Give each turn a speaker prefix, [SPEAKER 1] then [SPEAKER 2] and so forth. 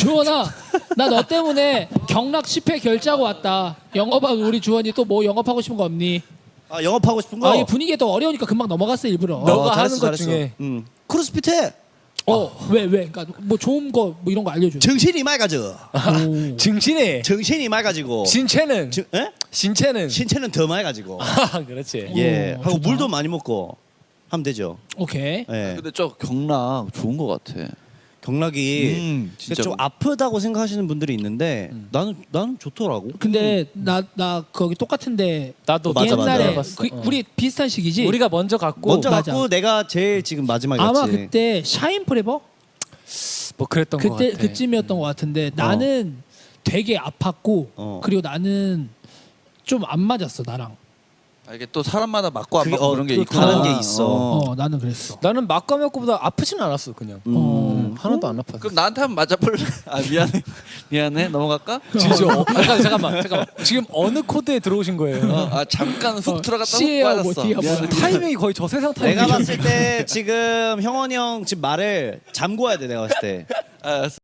[SPEAKER 1] 주원아, 나 너 때문에 경락 10회 결제하고 왔다. 영업하고 우리 주원이 또 뭐 영업하고 싶은 거 없니?
[SPEAKER 2] 아 영업하고 싶은 거?
[SPEAKER 1] 아, 이 분위기가 또 어려우니까 금방 넘어갔어 일부러.
[SPEAKER 3] 너가
[SPEAKER 2] 잘했어,
[SPEAKER 3] 하는 것
[SPEAKER 2] 잘했어.
[SPEAKER 3] 중에.
[SPEAKER 2] 크로스핏 해.
[SPEAKER 1] 왜? 그러니까 뭐 좋은 거 뭐 이런 거 알려줘.
[SPEAKER 2] 정신이 맑아져.
[SPEAKER 3] 증신에
[SPEAKER 2] 정신이 맑아지고.
[SPEAKER 3] 신체는
[SPEAKER 2] 에?
[SPEAKER 3] 신체는
[SPEAKER 2] 신체는 더 맑아지고.
[SPEAKER 3] 그렇지.
[SPEAKER 2] 예.
[SPEAKER 1] 오,
[SPEAKER 2] 하고
[SPEAKER 1] 좋다.
[SPEAKER 2] 물도 많이 먹고 하면 되죠.
[SPEAKER 1] 오케이.
[SPEAKER 2] 예.
[SPEAKER 4] 근데 저 경락 좋은 것 같아.
[SPEAKER 2] 경락이
[SPEAKER 4] 진짜
[SPEAKER 2] 좀 아프다고 생각하시는 분들이 있는데 나는 좋더라고.
[SPEAKER 1] 근데 나 거기 똑같은데
[SPEAKER 3] 나도
[SPEAKER 2] 맞아, 맞아.
[SPEAKER 1] 옛날에
[SPEAKER 3] 맞아.
[SPEAKER 1] 우리 비슷한 시기지.
[SPEAKER 3] 우리가 먼저 갔고
[SPEAKER 2] 먼저
[SPEAKER 1] 맞아.
[SPEAKER 2] 갖고 내가 제일 지금 마지막에
[SPEAKER 1] 아마
[SPEAKER 2] 갔지.
[SPEAKER 1] 그때 샤인 프레버
[SPEAKER 3] 뭐 그랬던 것
[SPEAKER 1] 그때
[SPEAKER 3] 같아.
[SPEAKER 1] 그쯤이었던 것 같은데 나는 되게 아팠고 그리고 나는 좀 안 맞았어 나랑.
[SPEAKER 4] 아, 이게 또 사람마다 맞고 안
[SPEAKER 2] 그게,
[SPEAKER 4] 맞고 그런 게
[SPEAKER 2] 또
[SPEAKER 4] 있구나.
[SPEAKER 2] 다른 게 있어.
[SPEAKER 1] 나는 그랬어.
[SPEAKER 3] 나는 막감했고보다 아프진 않았어 그냥. 하나도 안 아팠어.
[SPEAKER 4] 그럼 나한테 한번 맞아볼래? 아 미안해 넘어갈까?
[SPEAKER 3] 지죠. 잠깐만. 지금 어느 코드에 들어오신 거예요?
[SPEAKER 4] 아 잠깐 훅 들어갔다 훅
[SPEAKER 1] C예요, 뭐
[SPEAKER 4] 빠졌어.
[SPEAKER 1] D야,
[SPEAKER 4] 미안해.
[SPEAKER 1] 뭐야.
[SPEAKER 3] 타이밍이 거의 저 세상 타이밍.
[SPEAKER 2] 내가 봤을 때 지금 형원이 형 지금 말을 잠궈야 돼 내가 봤을 때.
[SPEAKER 4] 알았어.